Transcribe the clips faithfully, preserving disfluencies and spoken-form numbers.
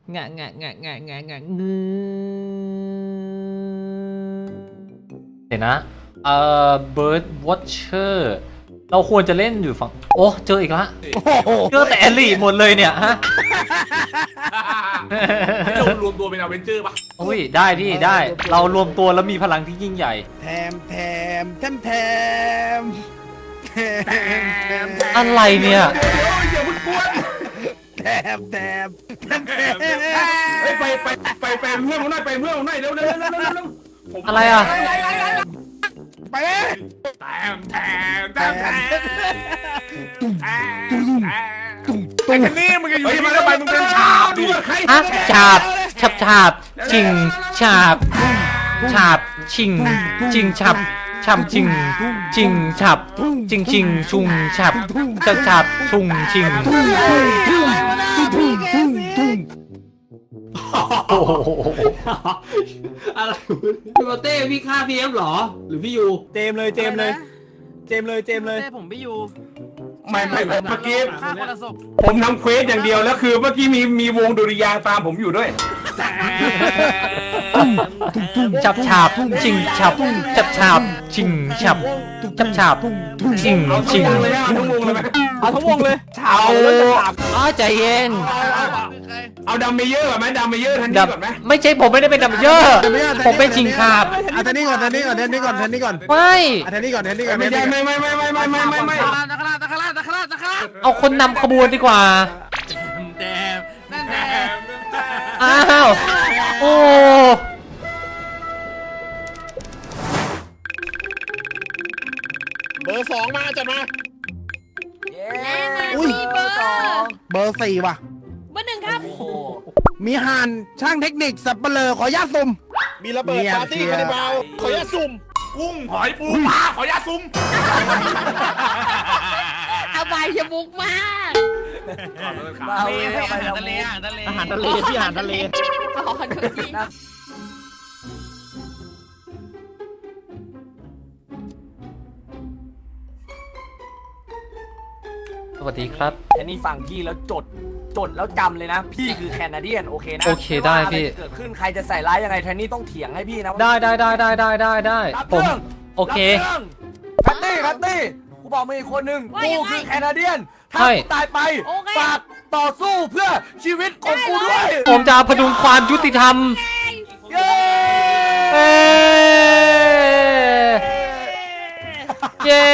งะงะงะงะงะงะงืเดี๋ยวนะเอ่อ Bird Watcher เราควรจะเล่นอยู่ฝั่งโอ้เจออีกละเจอแต่แอลลี่หมดเลยเนี่ยฮะเรารวมตัวเป็นอเวนเจอร์ปะอุ้ยได้พี่ได้เรารวมตัวแล้วมีพลังที่ยิ่งใหญ่แถมแถมแถมแถมแถมแถมอะไรเนี่ยเดี๋ยวอย่าเพิ่งกวนแถมแถมแถมแถมเฮ้ยไปไปไปไปเพื่อนผมหน่อยไปเพื่อนผมหน่อยเร็วเร็วเร็วเร็วเร็วเร็วผมอะไรอ่ะไปเลยแถมแถมแถมแถมไอ้คนนี้มึงจะอยู่ที่มาทำไมมึงเป็นชาบดิฮะฉาบฉับฉาบชิงฉาบฉาบชิงจิงฉับฉับจิงจิงฉับจิงชิงชุงฉับจะฉับชุงชิงโอ้โหอะไรพี่โบเต้พี่ฆ่าพีเอฟหรอหรือพี่ยูเจมเลยเจมเลยเจมเลยเจมเลยเต้ผมไม่อยู่ไม่ไม่เมื่อกี้ฆ่าคนละศพผมทำเควสอย่างเดียวแล้วคือเมื่อกี้มีมีวงดุริยางค์ตามผมอยู่ด้วยฉับฉาบชิงฉับฉับฉาบชิงฉับฉับฉาบชิงเอาทั้ชิงงวงเลยนะเอาทั้งวงเลยไหมเอาทั้งวงเลยเอาอ๋อใจเย็นเอาดัมเมเยอร์ก่อนไหมดัมเมเยอร์ทันทีดับก่อนไหมไม่ใช่ผมไม่ได้เป็นดับเยอะผมเป็นชิงขาบเอาแทนนี่ก่อนแทนนี่ก่อนแทนนี่ก่อนแทนนี่ก่อนไม่เอาแทนนี่ก่อนแทนนี่ก่อนไม่ได้ไม่ไม่ไม่ไม่ไม่ไม่ไม่ไม่ตะคราตะคราตะคราตะคราตะคราเอาคนนำขบวนดีกว่าแดมนั่นแดมอ้าว โอ้เบอร์สองมาจัดมาอุ้ยเบอร์เบอร์สี่ว่ะเบอร์หนึ่งครับมีหานช่างเทคนิคสับเปลือขอญาตสุ่มมีระเบิดปาร์ตี้คานิบาลขออนุญาตสุ่มกุ้งหอยปูปลาขออนุญาตซุ้มอบายชมุกมากเฮ้ยอาหารทะเลอาหารทะเลอาหารทะเลที่อาหารทะเลขอดูสิสวัสดีครับอันนี้ฟังพี่แล้วจดจดแล้วจำเลยนะ พี่คือแคนาเดียนโอเคนะโอเคได้พี่ม่ว่าอะไรจะเกิดขึ้นใครจะใส่ร้ายยังไงแทนนี่ต้องเถียงให้พี่นะได้ได้ได้ได้ได้ได้ได้รับผมเรื่องโอเครับเรื่องแพตตี้แพตตี้กูบอกมึงอีกคนนึงกูคือแคนาเดียนถ้าใช่กูตายไปฝากต่อสู้เพื่อชีวิตของกูด้วยผมจะพดุงความยุติธรรมเย้เอ้เย้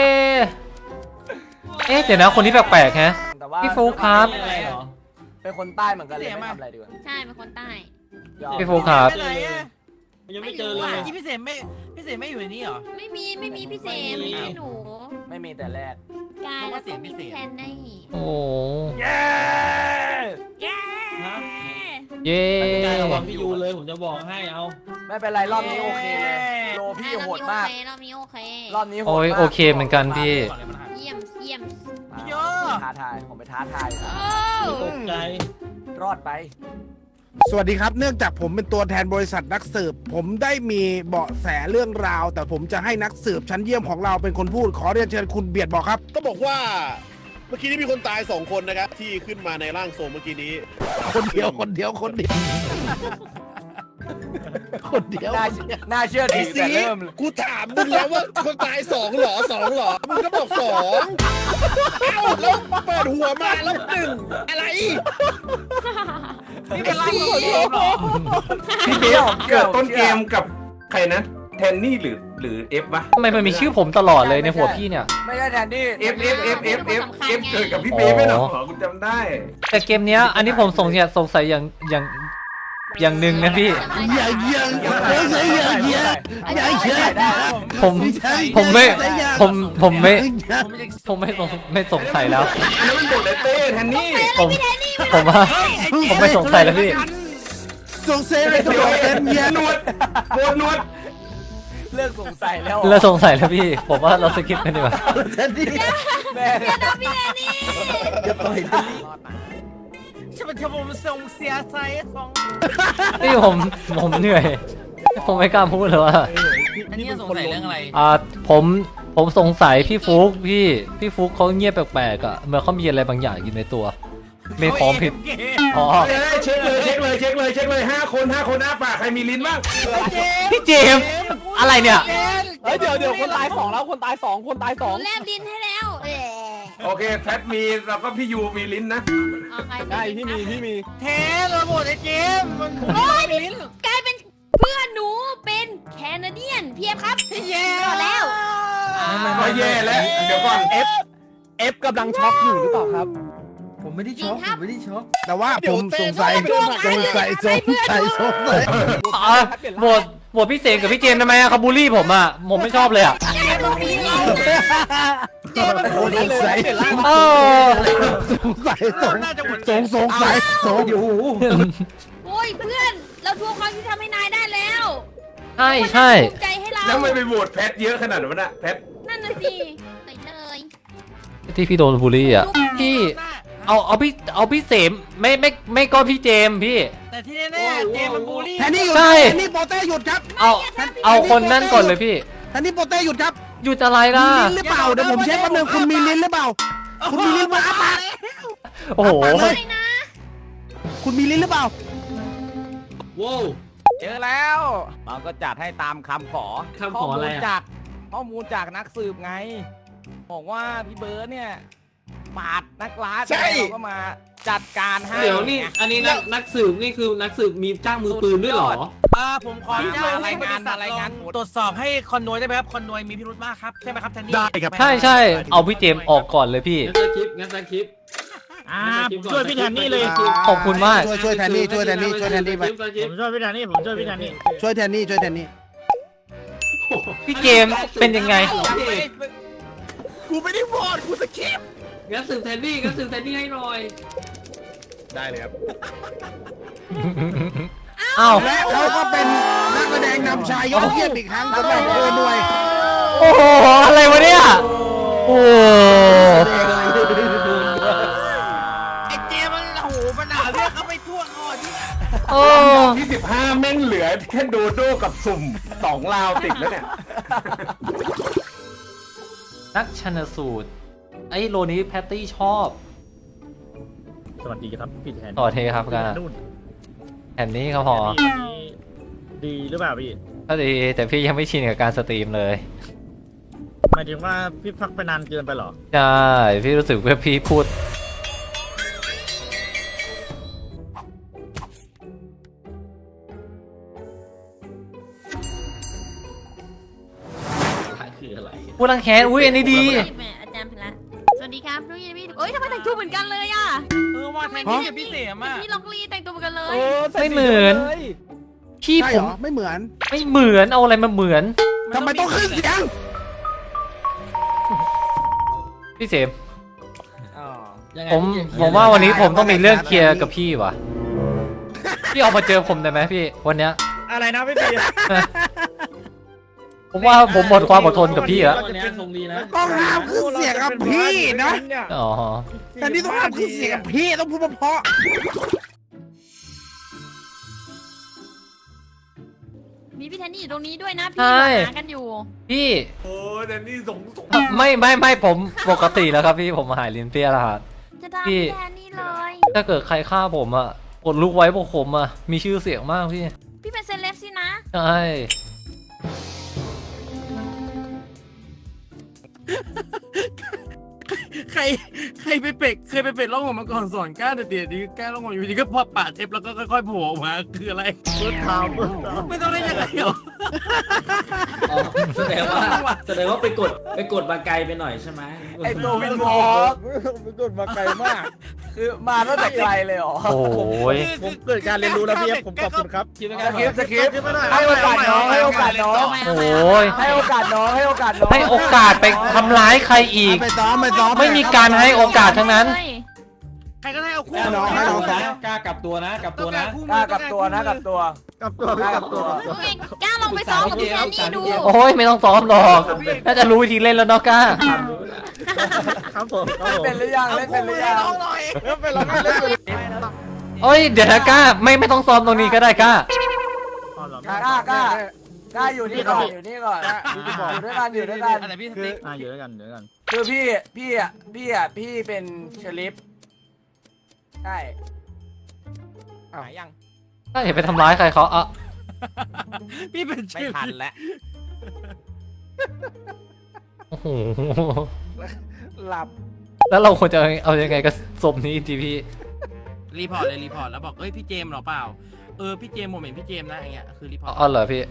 เอ๊ะเดี๋ยวนะคนนี้แปลกๆฮะแต่ว่าพี่ฟุ๊กครับอะไรเหรอเป็นคนใต้เหมือนกันเลยไม่ทำอะไรดีกว่าใช่เป็นคนใต้ยอมพี่ฟุ๊กครับไม่เลยอะยังไม่เจอเลยเมื่อกี้พี่เสมไม่พี่เสมไม่อยู่ในนี้เหรอไม่มีไม่มีพี่เสมไม่มีหนูไม่มีแต่แรกกายแล้วก็มีพี่แทนได้โอ้เย้เย้เย้ไม่ได้ระวังพี่ยูเลยผมจะบอกให้เอาไม่เป็นไรรอบนี้โอเคเลยโลพี่โหดมากรอบนี้โอเครอบนี้โหดโอ้ยมากโอเคเหมือนกันพี่เยี่ยมเยี่ยมเยอะท้าทายผมไปท้าทายโอ้ตกใจรอดไปสวัสดีครับ เนื่องจากผมเป็นตัวแทนบริษัทนักสืบ ผมได้มีเบาะแสเรื่องราว แต่ผมจะให้นักสืบชั้นเยี่ยมของเราเป็นคนพูด ขอเรียนเชิญคุณเบียดบอกครับต้องบอกว่าเมื่อกี้นี้มีคนตายสองคนนะครับที่ขึ้นมาในร่างทรงเมื่อกี้นี้คนเดียวคนเดียวคนเดียวคนเดียวน่าน่าเชื่อไอ้ถือสีแต่เริ่มเลยกูถามมึงแล้วว่าคนตายสองเหรอสองเหรอมึงก็บอกสองเอ้าแล้วเปิดหัวมาแล้วหนึ่งอะไรนี่เป็นร่างของพี่เหรอพี่เบลเกิดต้นเกมกับใครนะแทนนี่หรือหรือเอฟวะทำไมมันมีชื่อผมตลอดเลยในหัวพี่เนี่ยไม่ได้แทนที่เอฟเอฟเอฟเอฟเอฟเอฟเกิดกับพี่เบลไม่หรอคุณจำได้แต่เกมเนี้ยอันนี้ผมสงสัยสงสัยอย่างอย่างอย่างหนึ่งนะพี่อย่าเยี่ยงอย่าเยี่ยงอย่าอย่าเยี่ยงผมผมไม่ผมผมไม่ผมจะผมไม่สงไม่สงสัยแล้วอันนั้นมันบทเลเต้แทนนี่ผมผมว่าผมไม่สงสัยแล้วพี่สงสัยเลยตัวเป็นเยี่ยงนวดโบนนวดเลิกสงสัยแล้วเลิกสงสัยแล้วพี่ ผมว่าเราสกิปกันดีกว่าแทนที่แม่พี่แทนนี่จะต่อยฉันเป็นผมส่งเสียใจของนี่ผมผมเหนื่อย ผมไม่กล้าพูดเลยว่าอันนี้สงสัยเรื่องอะไรอ่าผมผมสงสัยพี่ฟุกพี่พี่ฟุกเขาเงียบแปลกๆอ่ะเหมื่อนเขามีอะไรบางอย่างอยู่ในตัว ไม่พร้อมผิดอ๋อเช็คเลยเช็เช็คเลยเช็คเลยห้าคนห้าคนอ้าปากใครมีลิ้นบ้างพี่เจมส์อะไรเนี่ยเฮ้ยเดี๋ยวเดี๋ยวคนตายสองแล้วคนตายสองคนตายหสองนูแลบดินให้แล้วเออโอเคแพทมีแล้วก็พี่ยูมีลิ้นนะเอาใครใช่พี่มีพี่มีเทนระบบไอ้เจมส์มันโอ้ยกลายเป็นเพื่อนหนูเป็นแคนาเดียนเพียบครับแย่รอดแล้วก็แย่แล้วเดี๋ยวก่อนเอฟเอฟกำลังช็อกอยู่หรือเปล่าครับผมไม่ได้จริช็งอกคผรับมไม่ได้ช็อกแต่ว่าผมสงสัยสงสัยสงสัยสงสัยอ๋อโหวตโหวตพี่เสกกับพี่เจมส์ทำไมอะเขาบูลลี่ผมอะผมไม่ชอบเลยอะแกต้องมีลิ้นนะเจมันพูดได้เลยเปลี่ยนร่างเออสงสัยสงน่าจะหมดสงสงสัยสงอยู่โอ้ยเพื่อนเราทวงความยุติธรรมให้นายได้แล้วใช่ใช่ภูมิใจให้เราแล้วไม่ไปโหวตแพทเยอะขนาดนั้นนะแพทนั่นน่ะสิไปเลยที่พี่โดนบูลลี่อะพี่เอาเอาพี่เอาพี่เสมไม่ไม่ไม่ก็พี่เจมส์พี่แต่ที่แน่ๆเจมส์มันบูลลี่แทนนี่หยุดใช่แทนนี่โปเต้หยุดครับเอาเอาคนนั่นก่อนเลยพี่แทนนี่โปเต้หยุดครับหยุดอะไรมีล่ะลิ้นหรือเปล่าเดี๋ยวผมเช็คแป๊บนึงคุณมีลิ้นหรือเปล่า คุณมีลิ้นมาอ้าปากโอ้โหไม่นะคุณมีลิ้นหรือเปล่าว้าวเจอแล้วเราก็จัดให้ตามคำขอคำขออะไรอะข้มูลจากข้อมูลจากนักสืบไงบอกว่าพี่เบิร์ดเนี่ยปาดนักล่าใช่เราก็มาจัดการให้เดี๋ยวนี่ไงอันนี้นักนักสืบนี่คือนักสืบมีจ้างมือปืนด้วยเหรออ่าผมขออนุญาตรายงานให้บริษัทรายงานลอตรวจสอบให้คอนโดได้ไหมครับคอนโดมีพิรุธมากครับใช่ไหมครับแทนนี่ได้ครับใช่ใช่เอาพี่เจมส์ออกก่อนเลยพี่งั้นสคริปต์งั้นสคริปต์อ่างั้นสคริปต์ก่อผมช่วยพี่แทนนี่เลยสคริปต์ขอบคุณมากช่วยช่วยแทนนี่ช่วยแทนนี่ช่วยแทนนี่ไปสคริปผต์มช่วยพี่แทนนี่ผมช่วยพี่แทนนี่ช่วยแทนนี่ช่วยแทนนี่พี่เจมส์เป็นยังไงกูไม่ได้โหวตกูสคริปต์งั้นสืบแทนนี่งั้นสืบแทนนี่ให้หน่อยได้เลยครับอ้าวและเขาก็เป็นนักแสดงนำชายยอดเยี่ยมอีกครั้งสำหรับเออหน่วยโอ้โหอะไรวะเนี่ยโอ้โหไอ้เจมส์มันโอ้โหมันหาเรื่องเขาไปทั่วคอที่โอ้ที่สิบห้าแม่งเหลือแค่โดโดกับสุ่มสองลาวติดแล้วเนี่ยนักชันสูตรไอ้โลนี้แพตตี้ชอบสวัสดีครับพี่แทนต่อเทครับกันนู่นแผ่นนี้ก็พอพี่ดีหรือเปล่าพี่ก็ดีแต่พี่ยังไม่ชินกับการสตรีมเลยหมายถึงว่าพี่พักไปนานเกินไปเหรอใช่ พี่รู้สึกว่าพี่พูดคืออะไรพูดรังแค้นอุ้ยอันนี้ดีแม่อาจารย์พละสวัสดีครับนุ้ยพี่เอ้ยทำไมแต่งตัวเหมือนกันเลยอ่ะเออว่าแทนนี่กับพี่เสียมเหมือนอ่ะพี่ล็อกลีแต่งตัวเหมือนกันเลยเออใส่ไม่เหมือนสีลยพี่ใช่ผเหรมอไม่เหมือนไม่เหมือนเอาอะไรมาเหมือนทำไมต้องขึ้นเสียงพี่เสมอ๋อยังไงผมพี่ผมว่าวันนี้ผมต้องมีเรื่องเคลียร์กับพี่ว่ะ พี่ออกมาเจอผมได้ไหมพี่วันเนี้ยอะไรนะพี่พี่ผมว่าผมหมดความอดทนกับพี่แล้ววันนี้ทรงดีนะต้องห้ามขึ้นเสียงกับพี่นะอ๋อแต่นี่ต้องห้ามขึ้นเสียงกับพี่ต้องพูดเพราะมีพี่แทนนี่อยู่ตรงนี้ด้วยนะพี่ใช่หากันอยู่พี่โอ้แต่นี่สงสงไม่ไม่ไม่ผมปกติแล้วครับพี่ผมหายลิ้นเปรี้ยแล้วครับจะด่าพี่พี่แทนนี่เลยถ้าเกิดใครฆ่าผมอ่ะกดลุกไว้พวกผมอ่ะมีชื่อเสียงมากพี่พี่เป็นเซเลบสินะใช่ใครใครไปเป็ดเคยไปเป็ดล่องหนมาก่อนสอนกล้าแต่เดี๋ยวนี้กล้าล่องหนอยู่ดีก็พอปาดเทปแล้วก็ค่อยๆโผล่ออกมาคืออะไรเปิดข่าวเปิดข่าวไม่ต้องได้ยังไงหรออ๋อแสดงว่าแสดงว่าไปกดไปกดมาไกลไปหน่อยใช่ไหมไอตัววินวอล์กมันโดนมาไกลมากคือมาตั้งแต่ไกลเลยเหรอโอ้ยผมเกิดการเรียนรู้แล้วพี่ครับผมขอบคุณครับคิดว่าสคริปต์สคริปต์ไม่ได้ให้โอกาสน้องให้โอกาสน้องโอ้ยให้โอกาสน้องให้โอกาสน้องให้โอกาสไปทำร้ายใครอีกไปซ้อมไปซ้อมไม่มีการให้โอกาสทั้งนั้นใครก็ได้เอาคู่ให้น้องให้น้องซ้อมกล้ากลับตัวนะกลับต้ตัอวงการนะคู่กล้ากับตัวนะกับตัวกับตัวพี่กับตัวกับตัวเฮ้ยกล้าลองไปซ้อมกับพี่แทนนี่ดูโอ้ยไม่ต้องซ้อมหรอกน่าจะรู้วิธีเล่นแล้วเนาะก้าครับผมครับผมเป็นหรือยังเอาเล่นเป็คู่นหมืรือ อให้ยังน้องหน่อยเออไปเราไม่เล่นเลยโอ้ยเดี๋ยวนะก้าไม่ไม่ต้องซ้อมตรงนี้ก็ได้ก้าอ๋อเหรอกล้ากล้ากล้าอยู่นี่ก่อนอยู่นี่ก่อนอยู่ด้วยกันอยู่ด้วยกันอะไรพี่สติ๊กอ่าอยู่ด้วยกันอยู่ด้วยกันคือพี่พี่อ่ะพี่อ่ะพี่เป็นเชลิฟใช่หายยังถ้าเห็นไปทำร้ายใครเขาอ่ะพี่เป็นไม่ชื่อทันแล้วโอ้โหหลับแล้วเราควรจะเอายังไงกับศพนี้ดีพี่รีพอร์ตเลยรีพอร์ตแล้วบอกเอ้ยพี่เจมส์เหรอเปล่าเออพี่เจมส์ผมเห็นพี่เจมส์นะอย่างเงี้ยคือรีพอร์ตอ๋อเหรอพี่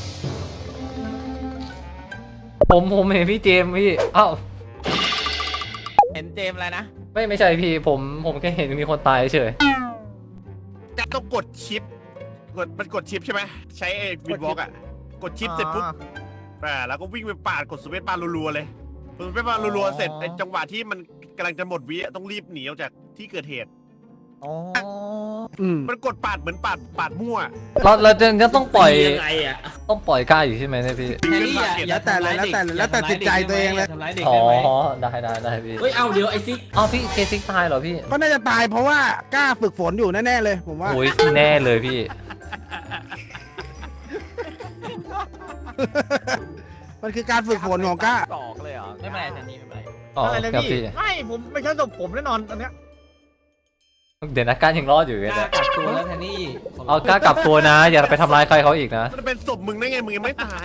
ผมผมเห็นพี่เจมส์พี่อ้าวเห็นเจมส์อะไรนะไม่ไม่ใช่พี่ผมผมแค่เห็นมีคนตายเฉยจะต้องกดชิปกดมันกดชิปใช่ไหมใช้ไอ้วินวอล์กอ่ะกดชิปเสร็จปุ๊บอ่าแล้วก็วิ่งไปปาดกดสเปซบาร์รัวๆเลยกดสเปซบาร์รัวๆเสร็จไอ้จังหวะที่มันกำลังจะหมดวิต้องรีบหนีออกจากที่เกิดเหตุอ๋ออืมมันกดปาดเหมือนปาดปาดมั่วเราเราจะจะต้องปล่อยยังไงอ่ะต้องปล่อยกล้าอยู่ใช่ไหมเนี่ยพี่แทนนี่อย่าอย่าแต่เลยแล้วแต่เลยแล้วแต่จิตใจตัวเองเลยทำร้ายเด็กอ๋อได้ไหมได้ได้ได้พี่เฮ้ยเอาเดี๋ยวไอซิกอ๋อพี่เคซิกตายเหรอพี่ก็น่าจะตายเพราะว่ากล้าฝึกฝนอยู่แน่ๆเลยผมว่าโอ้ยแน่เลยพี่มันคือการฝึกฝนของกล้าตอกเลยเหรอไม่เป็นไรแทนนี่ไม่เป็นไรอ๋ออะไรนะครับพี่พี่ไม่ผมไม่ใช่ศพผมแน่นอนอันเนี้ยเดี๋ยวนะการยังรอดอยู่เลยกล้านะกักตัวแล้วแทนนี่เอากล้ากลับตัวนะ อย่าไปทำร้ายใครเขาอีกนะมันเป็นศพมึงได้ไงมึงยังไม่ตาย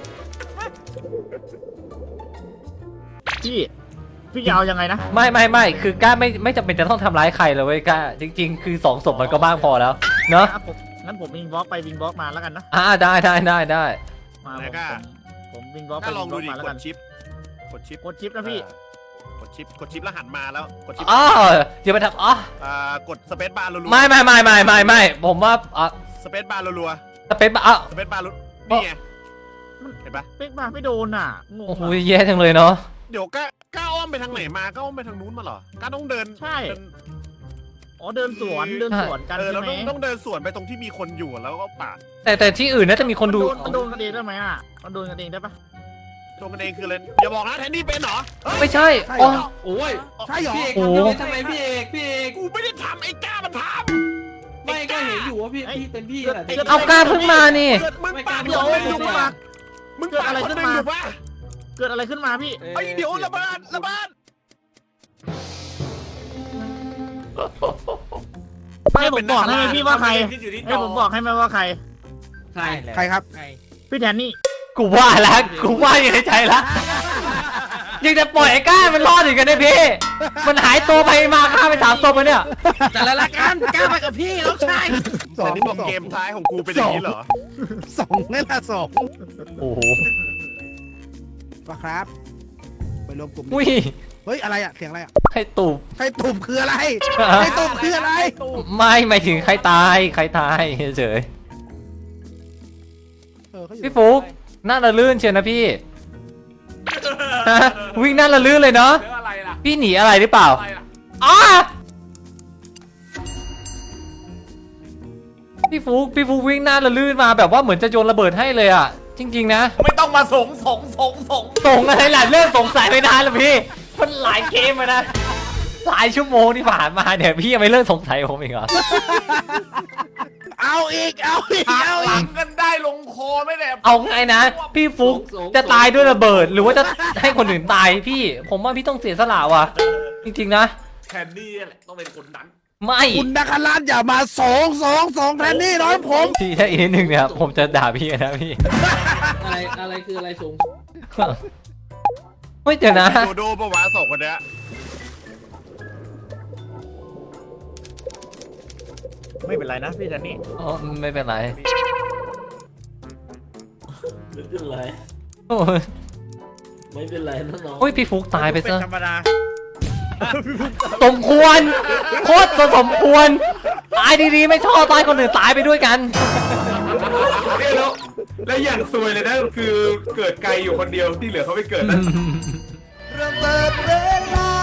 พี่พี่จะเอายังไงนะไม่ไม่ไม่คือกล้าไม่ไม่จำเป็นจะต้องทำร้ายใครเลยเว้ยกล้าจริง ๆ คือสองศพมันก็บ้างพอแล้วเนาะอ่ะผมงั้นผมวิงบล็อกไปวิงบล็อกมาแล้วกันนะอ่าได้ได้ได้ได้มาไหนผมกล้าผมวิงบล็อกไปถ้าลวิองงบดูล็อกดิมาแล้วกกัดนชิปกดชิปกดชิปนะพี่อ่ากดชิปกดชิปแล้วหันมาแล้วกดชิปอ๋ออย่าไปทำอ๋ออ่ากดสเปซบาร์รัวๆไม่ไม่ไม่ไม่ไม่ไม่ผมว่าอ่ะสเปซบาร์รัวสเปซอ่ะๆสเปซบาร์รัวนี่ไงเห็นปะเป๊กมาไม่โดนอ่ะงงโอ้โหอ่ะแย่จังเลยเนาะเดี๋ยวก้าก้าอ้อมไปทางไหนมาก้าอ้อมไปทางนู้นมาเหรอก้าต้องเดินใช่เดินอ๋อเดินสวนเดินสวนกันเออใช่เราไหมต้องต้องเดินสวนไปตรงที่มีคนอยู่แล้วก็ปาดแต่แต่ที่อื่นน่าจะมีคนดูมันโดนกันเองได้ไหมอ่ะมันโดนกันเองได้ปะตรงกันเองคือเลยอย่าบอกนะแทนนี่เป็นเหรอเฮ้ยไม่ใช่ใช่อ๋อเหรอโอ้ยใช่เหรอพี่เอกโอ้ทำอย่างนี้ทำไมพี่เอกพี่เอกกูไม่ได้ทำไอ้ก้ามันทไม่ก็เห็นอยู่ว่าพี่พี่เป็นพี่แหละเอากล้าเพิ่งมานี่ำเกิดมึงปาดเดี๋ยวคนหนึ่งเดี๋อยวยู่ปะมึงปาดคนหนึ่งอยู่ปะเกิดอะไรขึ้นมาพี่ไอ้เดี๋ยวระเบิดระเบิดให้ผมบอกให้ไหมพี่ว่าใครอยู่ที่จให้ผมบอกให้ไหมว่าใครใครใครครับพี่แทนนี่กูว่าแล้วกูว่าอยู่ในใจแล้วยังจะปล่อยไอ้ก้ามันรอดอีกกันเนี่ยพี่มันหายตัวไปมาฆ่าไปสามตัวไปเนี่ยแต่ละรายการกล้าไปกับพี่แล้วใช่สอแต่งนี่บอกเกมท้ายของกูเป็นอย่างนี้เหรอสองนี่แหละสองโอ้โหว่าครับ ไปรวมกลุ่มอุ้ยเฮ้ยอะไรอ่ะเสียงอะไรอ่ะใครตูบใครตุ่มคืออะไรใครตุ่มคืออะไรไม่หมายถึงใครตายใครตายเฉยเออเขาอยู่พี่ฟุกหน้าละลื่นเชียวนะพี่ฮะวิ่งหน้าละลื่นเลยเนาะเรื่องอะไรล่ะพี่หนีอะไรหรือเปล่าอะไรล่ะอ้าพี่ฟุกพี่ฟุกวิ่งหน้าละลื่นมาแบบว่าเหมือนจะโยนระเบิดให้เลยอ่ะ จริง ๆ นะไม่ต้องมาสงสงสงสงส่งอะไรล่ะเริ่มสงสัยไปนานแล้วพี่มันหลายเกมมานะหลายชั่วโมงที่ผ่านมาเนี่ยพี่ยังไม่เลิกสงสัยผมอีกเหรอเอาอีกเอาอีกเอาหอีลักงกันได้ลงคอไม่แหละเอาไงนะพี่ฟุกจะตายด้วยระเบิด หรือว่าจะให้คนอื่นตายพี่ ผมว่าพี่ต้องเสียสละว่ะจริงๆนะแทนนี่แหละต้องเป็นคนนั้นไม่คุณนักรัตอย่ามาสองสองสองแทนนี่น้อยผมพี่ถ้าอีกนิดนึงเนี่ยผมจะด่าพี่นะพี่อะไรอะไรคืออะไรสูงไม่เดี๋ยวนะโดโดปะวะสองคนเนี้ยไม่เป็นไรนะพี่แทนนี่อ๋อไม่เป็นไรไม่เป็นไรโอ้ยไม่เป็นไรน้องโอ้ยพี่ฟุกตายไปเป็นซะธรรมดาสมควรโคตรจะสมควรตายดีๆไม่ชอบตายคนอื่นตายไปด้วยกันแล้วแล้วอย่างซวยเลยนะคือเกิดไกลอยู่คนเดียวที่เหลือเขาไปเกิดนะระเบิดเวลา